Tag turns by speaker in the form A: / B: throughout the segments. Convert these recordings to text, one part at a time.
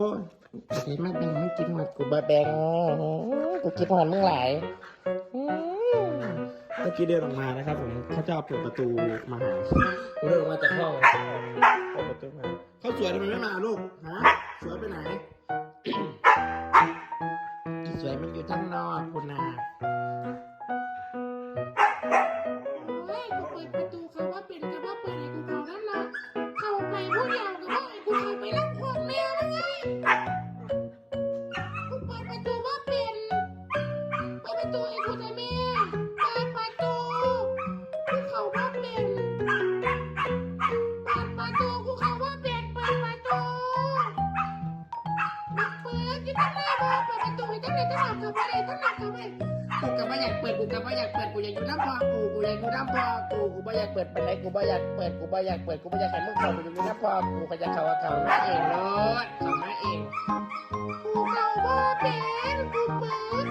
A: โอ้ยกินมาแบ่งมึงกินหมดกูบะแบ่งกูกินหมดมึงหลายเมื่อกี้เดินออกมานะครับผมเขาจะเอาเปิดประตูมาหาเดินออกมาจากห้องเปิดประตูมาเขาสวยทำไมไม่มาลูกฮะสวยไปไหนสวยมันอยู่ทั้งนอกคุณนา
B: เฮ้ยกูเปิดประตูเขาว่าเป็นกับว่าเปิดให้กูเขานั่นเนาะเข้าไปผู้เดียวกับว่าไอ้กูเข้าไปรับของแม่มันไงกูเปิดประตูว่าเป็นเปิดประตูไอ้กูจะแม่เปิดประตูกูเข้าว่าเป็นเปิดประตูกูเข้าว่าเป็นเปิดประตูบักเปิดที่ตั้งหน้าบอกเปิดประตูให้ตั้งไหนตั้งหลักเข้าไปตั้งหลักเข้าไปกูก็ไม่อยากเปิดกูก็ไม่อยากเปิดกูอยากอยู่น้ำพอกูอยากอยู่น้ำพอกูไม่อยากเปิดไปไหนกูไม่อยากเปิดกูไม่อยากเปิดกูไม่อยากให้มึงเข้าไปอยู่น้ำพอกูก็จะเข้ามาเองเนาะเข้ามาเองกูเข้าบ่เป็นกูเปิด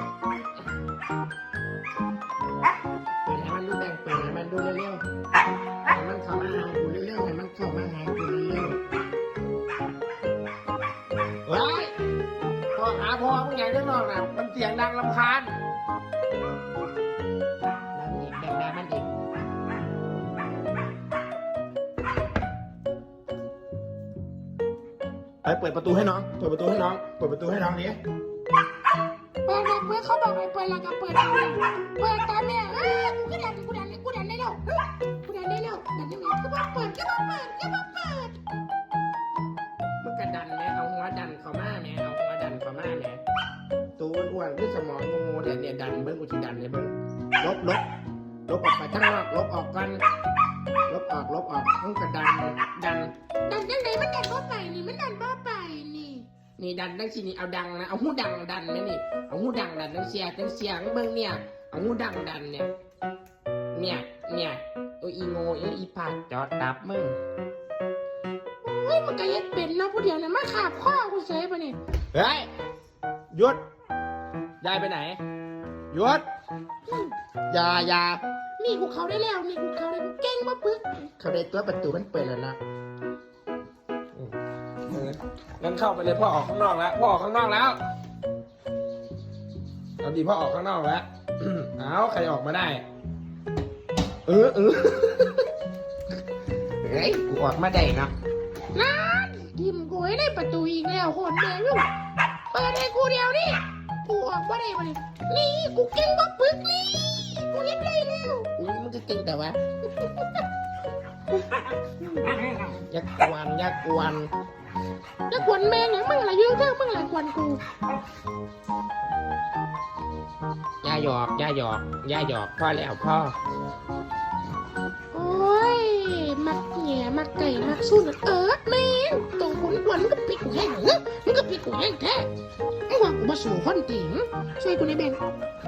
B: ให้มันดูแบ่งเปิดให้มันดูเร็วๆให้มันเข้ามาหากูเร็วๆให้มันเข้ามาหากูเร็วๆว้ายพ่อหาพ่อมึงใหญ่ด้านนอกนะมันเสียงดังรำคาญ
A: ไปเปิดประตูให้น้องเปิดประตูให้น้องเปิดประตูให้น้องนี้
B: เปิดเปิดเขาบอกให้เปิดแล้วก็เปิดเปิดตามแม่กูดันได้แล้วกูดันได้แล้วดันได้แล้วก็บอกเปิด
A: มึงกระดันไหมเอาหัวดันเข้ามาไหมเอาหัวดันเข้ามาไหมตัวอ้วนๆคือสมองงูเนี่ยดันเบิ้งกูจะดันเลยเบิ้งลบออกไปทั้งนอกลบออกกันลบออกมึงกระดัน
B: ยังไงมันดันบ่ไปนี่มันดันบ่ไป
A: นี่ดันดังสินี่เอาดังนะเอาหูดังดันไหมนี่เอาหูดังดันดังเสียงเบิ้งเนี่ยเอาหูดังดันเนี่ยโอ้ยอีโง่อีปากจอดตับมึง
B: เฮ้ยมันก็ยัดเป็นนะผู้เดียวนะมาขาบข้อกูเซฟป่ะนี่
A: เฮ้ยหยุดยายไปไหนหยุดอย่า
B: นี่กูเขาได้แล้วนี่กูเขาได้กูเก่งมาปึ๊ก
A: เขาได้ตัวประตูมันเปิดแล้วนะงั้นเข้าไปเลยพ่อออกข้างนอกแล้วเอาดีพ่อออกข้างนอกแล้วเอาใครออกมาได้เฮ้ยกูออกมาได้เนาะ
B: นั่นทิมกูให้ได้ประตูอีกแล้วคนเดียวอยู่เปิดให้กูเดียวนี่กูออกมาได้มานี่กูเก่งมาปึ๊กนี่กูเห็นได้แล้ว
A: มึงจะเก่งแต่ว่ายักกวน
B: แม่เนี่ยมึงอะไรเยอะมึงอะไรกวนกู
A: ย่าหยอกพ่อแล้วพ่อ
B: โอ้ยมักแง่มักไก่มักสู้แม่ตรงคนกวนมึงก็ปิดกูแห้งแท้มึงหวังกูมาสู่คนติ๋งช่วยกูในแบง